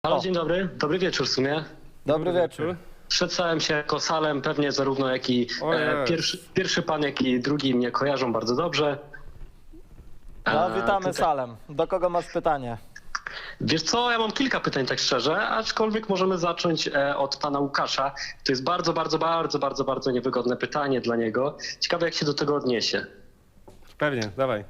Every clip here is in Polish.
Halo, O. dzień dobry. Dobry wieczór w sumie. Dobry wieczór. Przedstawiam się jako Salem, pewnie zarówno jak i pierwszy pan, jak i drugi mnie kojarzą bardzo dobrze. No, witamy tutaj- Salem. Do kogo masz pytanie? Wiesz co, ja mam kilka pytań tak szczerze, aczkolwiek możemy zacząć od pana Łukasza. To jest bardzo niewygodne pytanie dla niego. Ciekawe jak się do tego odniesie. Pewnie, dawaj.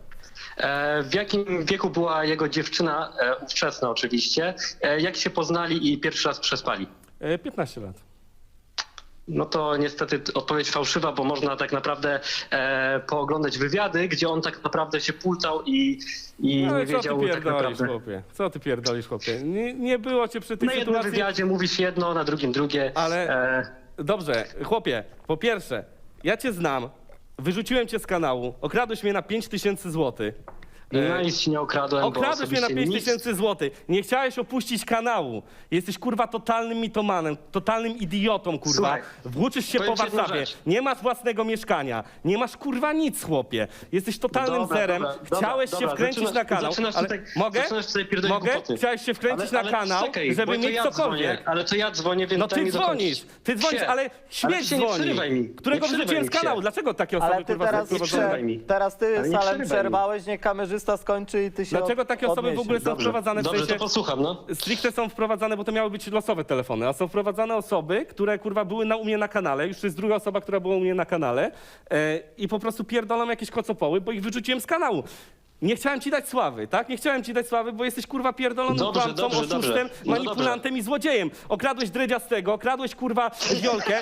W jakim wieku była jego dziewczyna, ówczesna oczywiście, jak się poznali i pierwszy raz przespali? 15 lat. No to niestety odpowiedź fałszywa, bo można tak naprawdę pooglądać wywiady, gdzie on tak naprawdę się pultał i No nie i co ty wiedział tak pierdolisz, naprawdę. chłopie? Co ty pierdolisz, chłopie? Nie było cię przy tej Na jednym sytuacji. wywiadzie mówisz jedno, na drugim drugie. Ale dobrze, chłopie, po pierwsze, ja cię znam, wyrzuciłem cię z kanału, okradłeś mnie na 5000 złotych. No nic ci nie okradłem, Okradłeś mnie na osobiście 5000 złotych. Nie chciałeś opuścić kanału. Jesteś kurwa totalnym mitomanem, totalnym idiotą, kurwa. Słuchaj, Włóczysz się powiem po ci jedną Warszawie. rzecz. Nie masz własnego mieszkania. Nie masz kurwa nic, chłopie. Jesteś totalnym Dobra, zerem. dobra, Chciałeś dobra, się wkręcić zaczynasz- na kanał. zaczynasz Ale tutaj- mogę? zaczynasz tutaj pierdolić Mogę? głupoty. Chciałeś się wkręcić na kanał, czekaj, żeby bo to mieć ja cokolwiek. dzwonię, ale to ja dzwonię, więc No daj ty mi dzwonisz, dokończyć. ale Ale śmieć się nie dzwoni, przerywaj mi. którego Nie przerywaj wyrzuciłem mi, z kanału. się. Dlaczego takie osoby Ale ty kurwa teraz, są prowadzone? mi. teraz ty, Ale nie Salem, przerywaj mi. przerwałeś, niech kamerzysta skończy i ty się Dlaczego takie osoby w ogóle są Dobrze, wprowadzane w dobrze, sensie... to posłucham, no. Stricte są wprowadzane, bo to miały być losowe telefony, a są wprowadzane osoby, które kurwa były u mnie na kanale, już to jest druga osoba, która była u mnie na kanale i po prostu pierdolą jakieś kocopoły, bo ich wyrzuciłem z kanału. Nie chciałem ci dać sławy, tak? Nie chciałem ci dać sławy, bo jesteś kurwa pierdolonym Dobrze, kłamcą, dobrze, oszustem, dobrze. No manipulantem i złodziejem. Okradłeś Dredziastego, okradłeś kurwa Wiolkę,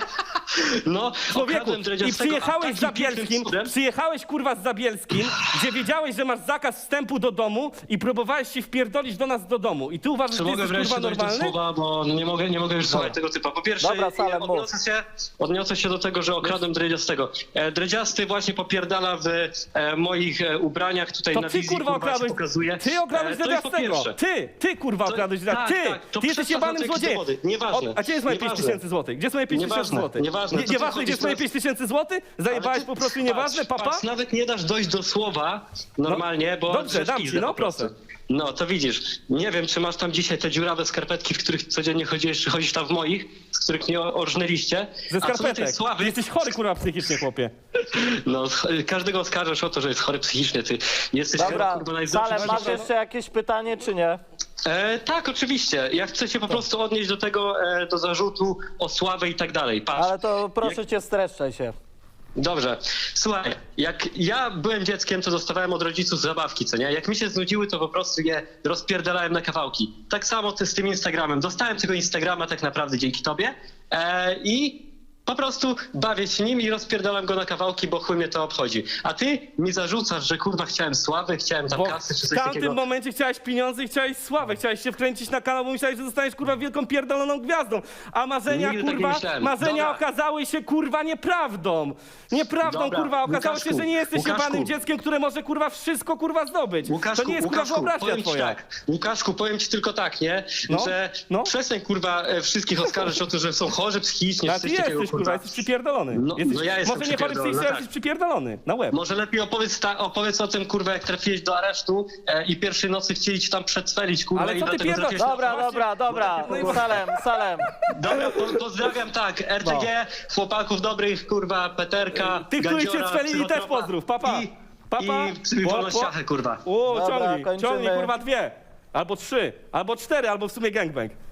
No, człowieku, okradłem i Dredziastego, przyjechałeś a z takim pięknym Zabielskim, cudem- przyjechałeś kurwa z Zabielskim, gdzie wiedziałeś, że masz zakaz wstępu do domu i próbowałeś się wpierdolić do nas do domu. I ty uważasz, Czy że mogę jesteś wreszcie kurwa dojść do normalny? słowa, bo nie mogę już słuchać tego typa. Po pierwsze, Dobra, Salem, mów. odniosę się do tego, że okradłem Dredziastego. Dredziasty właśnie popierdala w moich ubraniach tutaj To na ty wizji, kurwa się okradłeś. pokazuje. Ty okradłeś To jest po Dredziastego. pierwsze. Ty kurwa okradłeś Dredziastego. tak, to Ty jesteś przedstaw jebanym na to jakieś złodziejem. dowody. Nieważne. A gdzie jest moje Nieważne. 5000 złotych? Gdzie jest moje 5000 Nieważne, złotych? nieważne. To ty Nieważne, gdzie jest moje chodzisz 5000 złotych? Zajebałeś po prostu nieważne, papa? Patrz, nawet nie dasz dojść do słowa normalnie, bo... dobrze, dam ci, pizdę no po prostu. proszę. No, to widzisz. Nie wiem, czy masz tam dzisiaj te dziurawe skarpetki, w których codziennie chodzisz, czy chodzisz tam w moich, z których mnie orżnęliście. Ze A co do tej skarpetek. Ty sławy, jesteś chory kurwa psychicznie, chłopie. no, każdego oskarżasz o to, że jest chory psychicznie. Ty jesteś Dobra, kurwa najzdrowszym Salem, masz człowiekiem. jeszcze jakieś pytanie, czy nie? Tak, oczywiście. Ja chcę się po prostu odnieść do tego, do zarzutu o sławę i tak dalej. Patrz. Ale to proszę cię, streszczaj się. Dobrze. Słuchaj, jak ja byłem dzieckiem, to dostawałem od rodziców zabawki, co nie? Jak mi się znudziły, to po prostu je rozpierdalałem na kawałki. Tak samo ty z tym Instagramem. Dostałem tego Instagrama tak naprawdę dzięki tobie i po prostu bawię się nim i rozpierdalam go na kawałki, bo chuj mnie to obchodzi. A ty mi zarzucasz, że kurwa chciałem sławy, chciałem tam Bo kasy czy w coś tamtym takiego. momencie chciałeś pieniądze i chciałeś sławę, chciałeś się wkręcić na kanał, bo myślałeś, że zostaniesz kurwa wielką pierdoloną gwiazdą. A marzenia Nigdy tak nie kurwa, myślałem. marzenia Dobra. okazały się kurwa nieprawdą. Nieprawdą Dobra, kurwa, okazało się, Łukaszku, że nie jesteś Łukaszku. jebanym dzieckiem, które może kurwa wszystko kurwa zdobyć. Łukaszku, To nie jest kurwa wyobraźnia powiem ci twoja. tak. Łukaszku, powiem ci tylko tak, nie? No, Że no. przestań kurwa wszystkich oskarżyć o to, że są chorzy psychicznie, A czy ty coś takiego, jesteś kurwa, jesteś przypierdolony. No, Jesteś, no ja jestem może nie chory przypierdolony, psychicznie, ale tak. jesteś przypierdolony. Na łeb. Może lepiej opowiedz o tym, kurwa, jak trafiłeś do aresztu i pierwszej nocy chcieli ci tam przedswelić, kurwa, Ale i co ty dlatego pierdolisz? trafiłeś na... Dobra. Salem. Dobra, pozdrawiam, tak, RTG, chłopaków dobrych, kurwa, Peterka, Tych, których cię Gadziora, spelili, też Psychotropa pozdrów, papa. Papa. I wolnościachę, kurwa. O, Dobra, ciągnij, kończymy. kurwa 2. Albo 3, albo 4, albo w sumie gangbang.